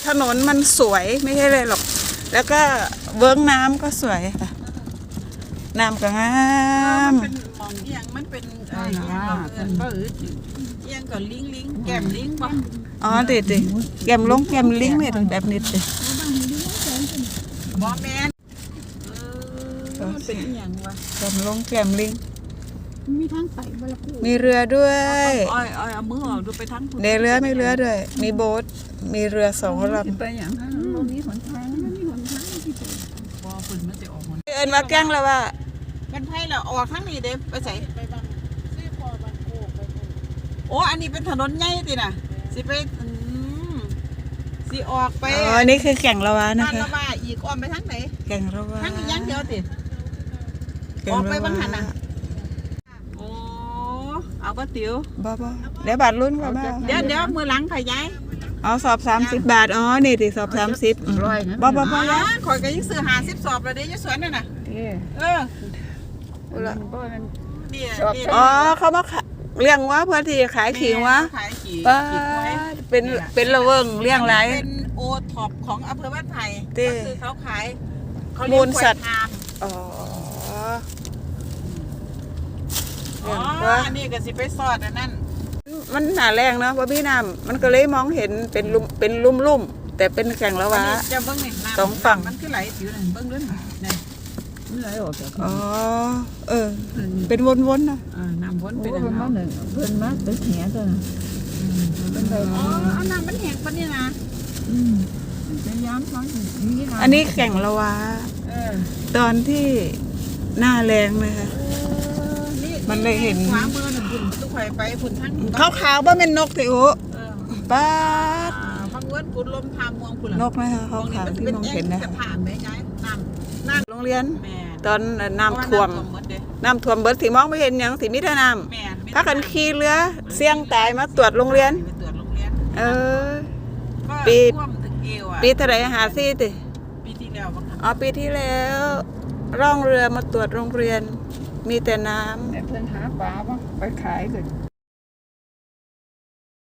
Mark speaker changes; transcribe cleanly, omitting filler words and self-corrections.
Speaker 1: ถนนมันสวยไม่ใช่เลยหรอกแล้วก็เวิ้งน้ำก็สวยค่ะน้ำก็งาม
Speaker 2: มันเป็นมองเอียงมันเป็นเอียงก็เอียงก็ลิงแก้มลิงป่ะ
Speaker 1: อ๋อติดแก้มลงแก้มลิงเนี่ยแบบนี้ติ
Speaker 2: บอแมนมันเป็นเอียงวะ
Speaker 1: แก้มลงแก้มลิง
Speaker 3: มีทางไปบลาคู
Speaker 1: มีเรือด้วย
Speaker 2: เอามือออกดูไปทั้ง
Speaker 1: ในเรือไม่เรือด้วยมีโบ๊ทมีเรือ2 ลำ
Speaker 3: ไปอย่างนั้นตรงนี้หนทางมันมีหนทางที่จะ
Speaker 2: บอฝุ่นมันจะออกมัน
Speaker 1: เอิ้นว่าแก้งแล้วว่า
Speaker 2: มันไพ่เราออกทั้งนี้เด้ไปใส่โอ้อันนี้เป็นถนนใหญ่ติน่ะสิไปสิออกไป
Speaker 1: อ๋อนี่คือแก่งละวานะคะ
Speaker 2: ละวาอีกอ้อมไปทางไหน
Speaker 1: แก่งละวา
Speaker 2: ทางนี้ยังเดียวติออกไปบางหันน่ะโอ้เอาบ่ติ๋ว
Speaker 1: บ่เดี๋ยวบาทรุ่นก็บ่
Speaker 2: เดี๋ยวมือหลังขยาย
Speaker 1: เอาสอบ30 บาทอ๋อนี่ติสอบ30บ่
Speaker 2: ข่อยก็ยังซื้อ50สอบแล้วเด้อยู่สวนนั่นน่ะ
Speaker 1: อ๋อเขามาเลี้ยงวะเพื่อที่ขายขิงวะเป็นระเวิงเลี้ยงไร
Speaker 2: เป็นโอท็อปของอำเภอบ้านไผ่
Speaker 1: ก็
Speaker 2: คือเขาขาย
Speaker 1: มูลสัตว์อ๋
Speaker 2: ออันนี้ก็สิไปสอดนั่น
Speaker 1: มันหนาแรงเนาะว่าพี่น้ำมันก็เลยมองเห็นเป็นลุ่มแต่เป็นแก่งละวะ
Speaker 2: จะเบิ้งนี่
Speaker 1: 2 ฝั่ง
Speaker 2: มันคือไหลสิวนั่นเบิ้งด้วยนี่
Speaker 3: มันไหลออกจาก
Speaker 1: อ๋อเป็นวนๆนะ
Speaker 2: น้ำวนเป็น
Speaker 3: มาหนึ่งเพิ่นมาตึกแหนตัวน่ะ
Speaker 2: อ๋อน้ำมันแห้งปะนี่นะ
Speaker 3: จะย้ำฟัง
Speaker 1: อันนี้แก่งละวะตอนที่หน้าแรงเลยค่ะมันเลยเห็น
Speaker 2: ขวามือหนึ่งฝุ่นทุกไข่ไปฝุ่นทั้ง
Speaker 1: ขาวๆว่าเป็นนกสิโอ้ป้า
Speaker 2: พังเวิร์ดฝุ่นลมพามวงฝุ่น
Speaker 1: นกไหมคะขาวๆที่มองเห็นนะโรงเรียนตอนน้ำท่วมเบิดสิมองไม่เห็นยังสิมิถน้ำพักกันขี่เรือเสี่ยงตายมาตรวจโรงเรียนปีเท่าไร54ติ
Speaker 2: ปีที่แล้ว
Speaker 1: อ๋อปีที่แล้วร่องเรือมาตรวจโรงเรียนมีแต่น้ำ
Speaker 3: เพื่อนหาปลาไปขายเลย